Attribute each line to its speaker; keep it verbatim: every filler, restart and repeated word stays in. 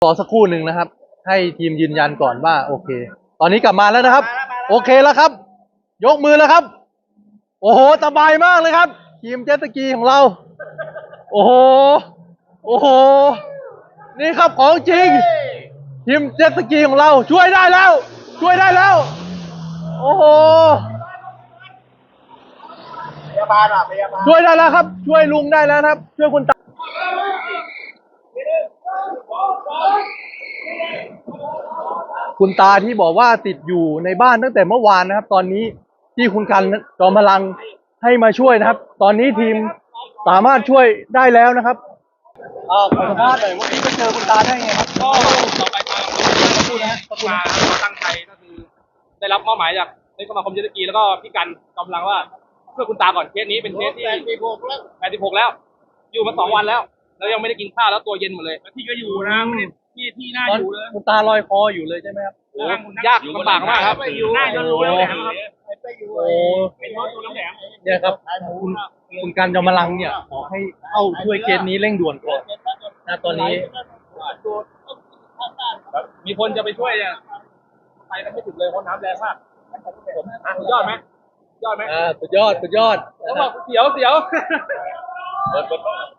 Speaker 1: รอสักครู่หนึ่งนะครับให้ทีมยืนยันก่อนว่าโอเคตอนนี้กลับมาแล้วนะครับโอเคแล้วครับยกมือแล้วครับโอ้โหสบายมากเลยครับทีมเจ็ตสกีของเราโอ้โหโอ้โหนี่ครับของจริงทีมเจ็ตสกีของเราช่วยได้แล้วช่วยได้แล้วโอ้โหพยาบาลอ่ะพยาบาลช่วยได้แล้วครับช่วยลุงได้แล้วครับช่วยคุณตาคุณตาที่บอกว่าติดอยู่ในบ้านตั้งแต่เมื่อวานนะครับตอนนี้ที่คุณกันจอมพลังให้มาช่วยนะครับตอนนี้ทีมสามารถช่วยได้แล้วนะครับอ่าขอสัมภาษณ์หน่อยวันนี้ไปเจอคุณตาได้ไงครับ
Speaker 2: ก็ต่อไปทางขอบคุณนะฮะขอบคุณมาตั้งใจก็คือได้รับมอบหมายจากในสมาคมเจ็ตสกีแล้วก็พี่กันกำลังว่าเพื่อคุณตาก่อนเคสนี้เป็นเคสที่แปดสิบหกแล้วแปดสิบหกแล้วอยู่มาสองวันแล้วแล้วยังไม่ได้กินข้าวแล้วตัวเย็นหมดเลยที่ก็อยู่นะที่ที่น่าอยู่เลย
Speaker 1: คุณตาลอยคออยู่เลยใช่ไหมครับ
Speaker 2: ยากลำบากมากครับน่าจะรู้แล้วแหละครับ
Speaker 1: โอ้เนี่ยครับคุณคุณกันจอมพลังเนี่ยขอให้เข้าช่วยเคสนี้เร่งด่วนก่อนนะตอนนี้
Speaker 2: มีคนจะไปช่วยเนี่ยไปกันไม่ถึงเลยเพราะน้ำแรงมากสุดยอดไหมยอดไหม
Speaker 1: อ่าสุดยอดสุดยอด
Speaker 2: เขาบอกเสียวเสียว